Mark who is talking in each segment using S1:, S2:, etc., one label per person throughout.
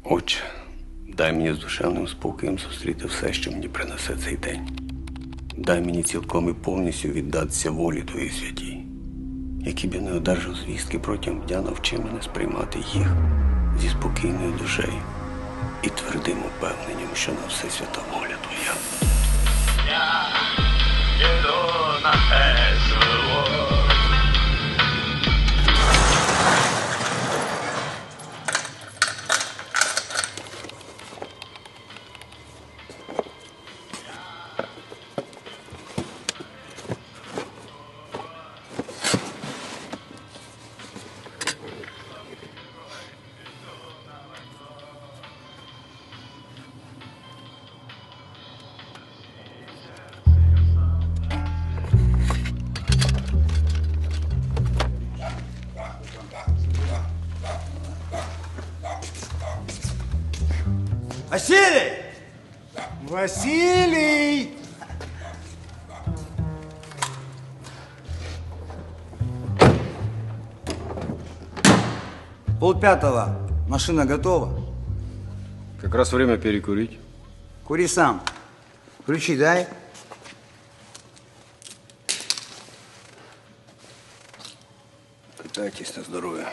S1: Отче, дай мені з душевним спокоєм зустріти все, що мені принесе цей день. Дай мені цілком і повністю віддатися волі Твоїй святій. Які б я не одержав звістки протягом дня, навчи мене сприймати їх зі спокійною душею і твердим упевненням, що на все свята воля Твоя.
S2: Я іду на те село.
S3: Василий! Василий! Полпятого. Машина готова?
S4: Как раз время перекурить.
S3: Кури сам. Ключи дай.
S1: Катайтесь на здоров'я.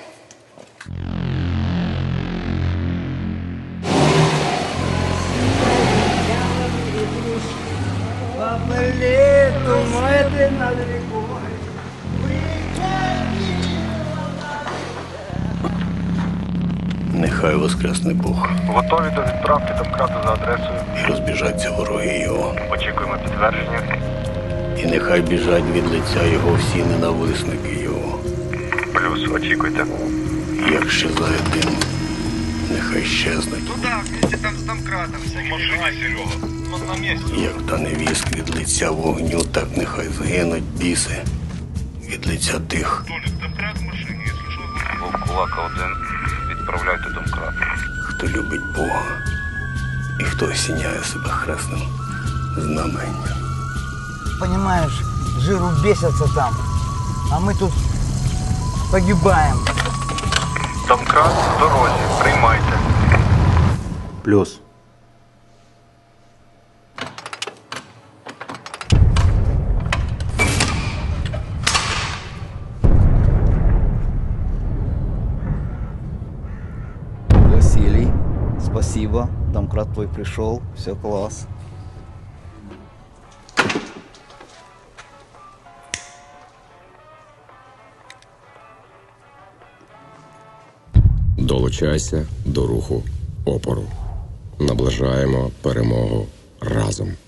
S1: Нехай воскресне Бог.
S5: Готові до відправки домкрату за адресою.
S1: І розбіжаться вороги його.
S5: Очікуємо підтвердження.
S1: І нехай біжать від лиця його всі ненависники його.
S5: Плюс, очікуйте.
S1: Як щезає дим, нехай щезнуть.
S5: Туда, вместе там з домкратом. Машина, Серега. Он на місці.
S1: Як та невістка від лиця вогню, так нехай згинуть біси від лиця тих,
S5: Толік, домкрат в машині, якщо що. Вовкулака один. Відправляйте домкрат.
S1: хто любить Бога і хто осіняє себе хресним знаменням.
S3: Понимаешь, жиру бесятся там, а мы тут погибаем.
S5: Домкрат в дорозі, приймайте.
S4: Плюс.
S6: Василий, спасибо. Домкрат твой пришел, все класс.
S7: Долучайся до руху опору. Наближаємо перемогу разом.